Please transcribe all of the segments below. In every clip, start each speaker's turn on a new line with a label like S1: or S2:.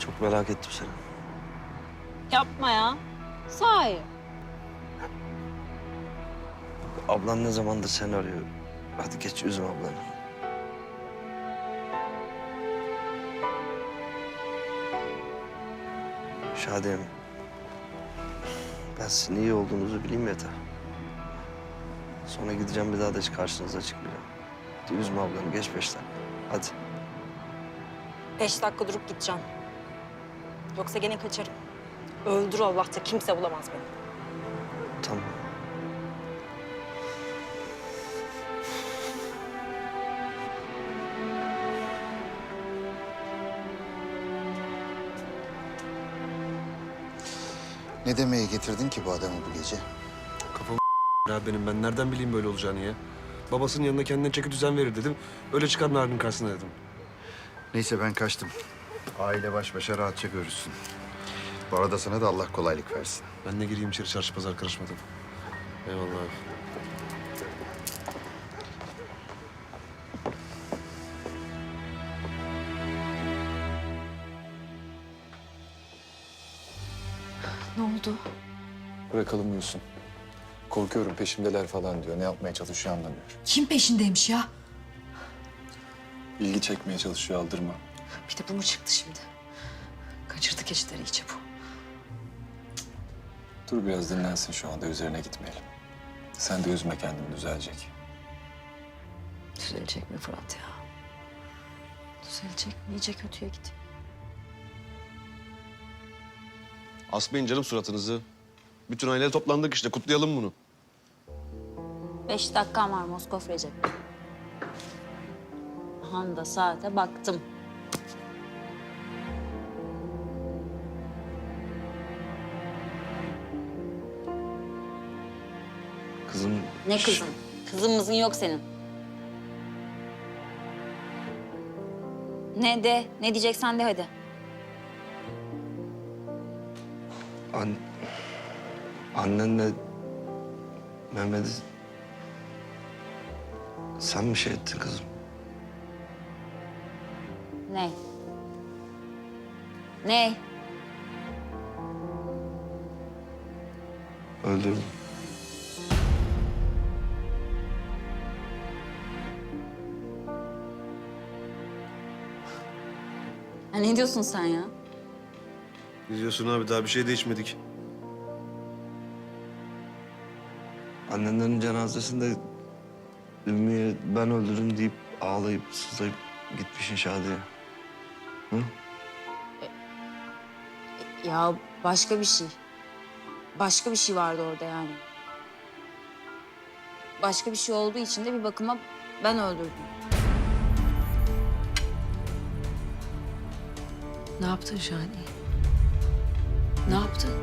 S1: Çok merak ettim seni.
S2: Yapma ya. Sahi.
S1: Ablan ne zamandır seni arıyor. Hadi geç, üzme ablanı. Şadiyem, ben sizin iyi olduğunuzu bileyim yeter. Sonra gideceğim, bir daha da hiç karşınıza çıkmayacağım. Hadi üzme ablanı, geç 5 dakika. Hadi.
S2: 5 dakika durup gideceğim. Yoksa gene kaçarım. Öldür Allah da kimse bulamaz beni.
S1: Tamam.
S3: Ne demeye getirdin ki bu adamı bu gece?
S4: Kafam ya benim. Ben nereden bileyim böyle olacağını ya? Babasının yanına kendine çeki düzen verir dedim. Öyle çıkar Narin'in karşısına dedim.
S3: Neyse ben kaçtım. Aile baş başa rahatça görüşsün. Bu arada sana da Allah kolaylık versin.
S4: Ben de gireyim içeri, çarşı pazar karışmadım. Eyvallah abi.
S5: Ne oldu?
S6: Bırakalım uyusun. Korkuyorum peşimdeler falan diyor. Ne yapmaya çalışıyor anlamıyorum.
S5: Kim peşindeymiş ya?
S6: İlgi çekmeye çalışıyor, aldırma.
S5: Bir de bu mu çıktı şimdi? Kaçırdı keçileri iyice bu.
S6: Dur biraz dinlensin şu anda, üzerine gitmeyelim. Sen de üzme kendini, düzelecek.
S5: Düzelecek mi Fırat ya? Düzelecek mi? İyice kötüye gidiyor.
S4: Asmayın canım suratınızı. Bütün aile toplandık işte, kutlayalım bunu.
S2: 5 dakikam var Moskov Recep. Handa saate baktım.
S1: Kızım...
S2: Ne kızın? Kızın mızın yok senin. Ne de? Ne diyeceksen de hadi.
S1: Annenle Mehmet'i sen mi şey ettin kızım?
S2: Ne? Ne?
S1: Öldürdüm.
S2: Ha, ne diyorsun sen ya?
S4: Ne diyorsun abi? Daha bir şey değişmedik.
S1: Annenlerin cenazesinde Ümmü'ye ben öldürdüm deyip ağlayıp sızlayıp gitmişsin Şadiye. Hı?
S2: Ya başka bir şey. Başka bir şey vardı orada yani. Başka bir şey olduğu için de bir bakıma ben öldürdüm.
S5: Ne yaptın Şani? Ne yaptın?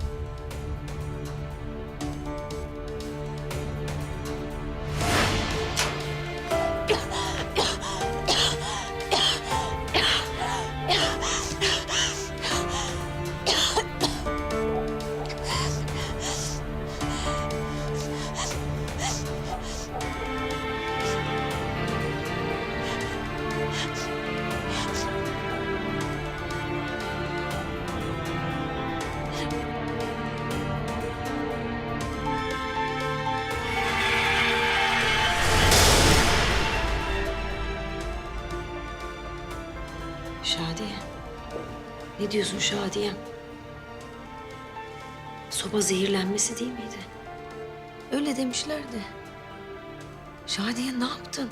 S5: Şadiye. Ne diyorsun Şadiye? Soba zehirlenmesi değil miydi? Öyle demişlerdi. Şadiye ne yaptın?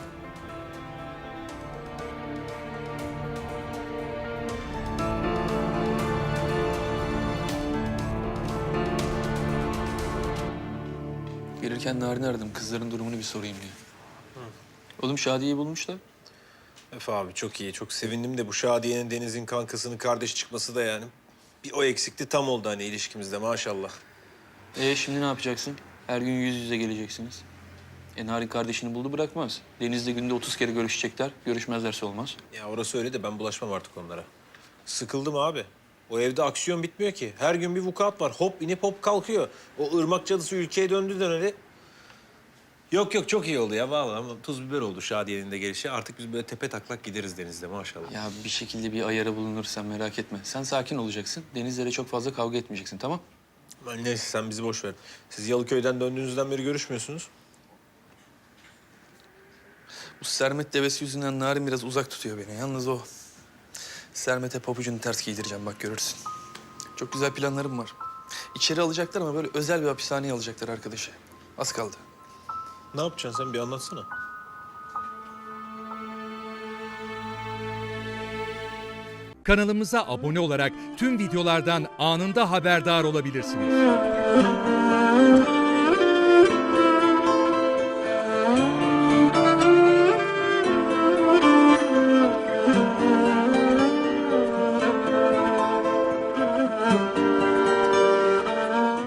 S6: Gelirken Narin'i aradım, kızların durumunu bir sorayım diye. Oğlum Şadiye'yi bulmuşlar.
S7: Efe abi çok iyi, çok sevindim de bu Şadiye'nin Deniz'in kankasının kardeş çıkması da yani. Bir o eksikti, tam oldu hani ilişkimizde maşallah.
S8: Şimdi ne yapacaksın? Her gün yüz yüze geleceksiniz. Narin kardeşini buldu bırakmaz. Deniz'le günde 30 kere görüşecekler. Görüşmezlerse olmaz.
S7: Ya orası öyle de ben bulaşmam artık onlara. Sıkıldım abi. O evde aksiyon bitmiyor ki. Her gün bir vukuat var. Hop inip hop kalkıyor. O ırmak cadısı ülkeye döndü döneli. Yok yok çok iyi oldu ya vallahi ama tuz biber oldu Şadiye'nin de gelişi. Artık biz böyle tepe taklak gideriz denizde maşallah.
S8: Ya bir şekilde bir ayarı bulunursa merak etme. Sen sakin olacaksın. Denizlere çok fazla kavga etmeyeceksin, tamam?
S7: Aman neyse sen bizi boş ver. Siz Yalıköy'den döndüğünüzden beri görüşmüyorsunuz.
S8: Bu Sermet devesi yüzünden Narin biraz uzak tutuyor beni. Yalnız o Sermet'e pabucunu ters giydireceğim, bak görürsün. Çok güzel planlarım var. İçeri alacaklar ama böyle özel bir hapishaneye alacaklar arkadaşı. Az kaldı.
S7: Ne yapacaksın sen bir anlatsana.
S9: Kanalımıza abone olarak tüm videolardan anında haberdar olabilirsiniz.